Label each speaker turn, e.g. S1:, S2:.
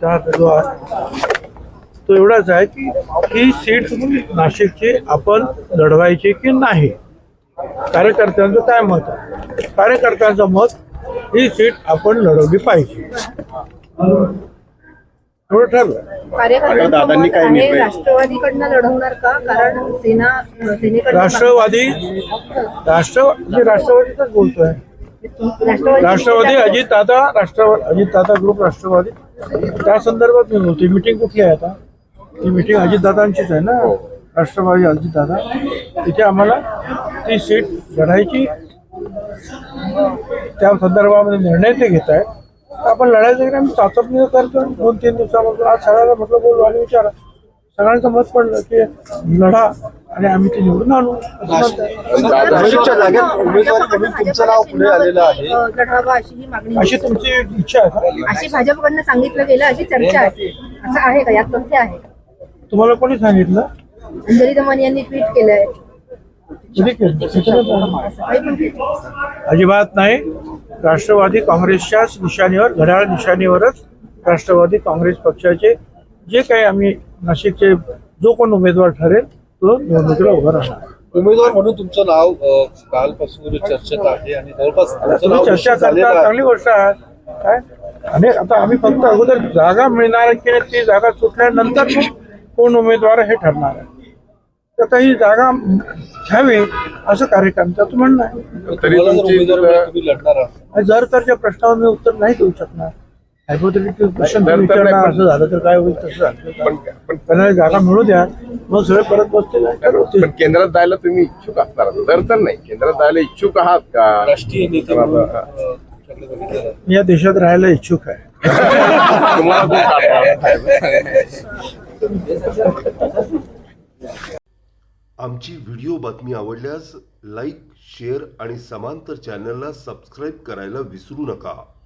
S1: मुद्दा जो आहे तो एवढाच आहे की ही सीट नाशिकची आपण लढवायची की नाही. कार्यकर्त्यांचं काय मत आहे? कार्यकर्त्यांचं मत ही सीट आपण लढवली पाहिजे एवढं ठरलं.
S2: दादांनी काय निर्णय राष्ट्रवादीकडनं लढवणार का? कारण सेनेकडे
S1: राष्ट्रवादीच बोलतोय. राष्ट्रवादी अजितदादा ग्रुप राष्ट्रवादी त्या संदर्भात मी बोलतोय. मीटिंग कुठली आहे आता? ती मीटिंग अजितदादांचीच आहे ना, राष्ट्रवादी अजितदादा. तिथे आम्हाला ती सीट लढायची, त्या संदर्भामध्ये निर्णय ते घेत आहेत. आपण लढायचं की आम्ही चाचपणी करतो. 2-3 दिवसापासून आज सगळ्याला म्हटलं बोलू आणि विचारा. सगळ्यांचं मत पडलं की लढा आणि आम्ही ते निवडून आणू.
S3: नाशिकच्या जागेत उमेदवारी म्हणून तुमचं नाव पुढे आलेलं आहे,
S2: लढावा अशी ही मागणी
S1: अशी तुमची इच्छा आहे का?
S2: अशी भाजपकडनं सांगितलं गेलं, अशी चर्चा आहे. असं आहे का? यात तथ्य आहे?
S1: तुम्हाला कोणी सांगितलं?
S2: अंजली दमन यांनी ट्विट केलंय.
S1: कधी केलं?
S2: सकाळी पण केलं.
S1: अजिबात नाही. राष्ट्रवादी काँग्रेसच्याच निशाणीवर, घड्याळ निशाणीवरच राष्ट्रवादी काँग्रेस पक्षाचे जे काही आम्ही नाशिकचे जो कोण उमेदवार ठरेल तो निवडणुकीला उभं राहणार.
S3: उमेदवार म्हणून तुमचं नाव कालपासून चर्चेत आहे आणि जवळपास
S1: तुम्ही चर्चा करता, चांगली गोष्ट आहे. काय आणि आता आम्ही फक्त अगोदर जागा मिळणार की ती जागा सुटल्यानंतर मग कोण उमेदवार हे ठरणार आहे. तर ही जागा घ्यावी असं कार्यकर्त्याचं म्हणणं आहे.
S3: तुम्ही लढणार आहात.
S1: जर तरच्या प्रश्नावर मी उत्तर नाही देऊ शकणार. हायपोथेटिकल क्वेश्चन विचारणार, असं झालं तर काय होईल, तसं झालं पण त्यांना जागा मिळू द्या, मग सगळे परत बसतील ठरवतील.
S4: पण केंद्रात जायला तुम्ही इच्छुक असणार? तर नाही, केंद्रात जायला इच्छुक आहात का?
S3: राष्ट्रीय नेते
S1: मी या देशात राहायला इच्छुक आहे.
S5: आमची व्हिडिओ बातमी आवडल्यास लाईक, शेअर आणि समांतर चॅनलला सबस्क्राईब करायला विसरू नका.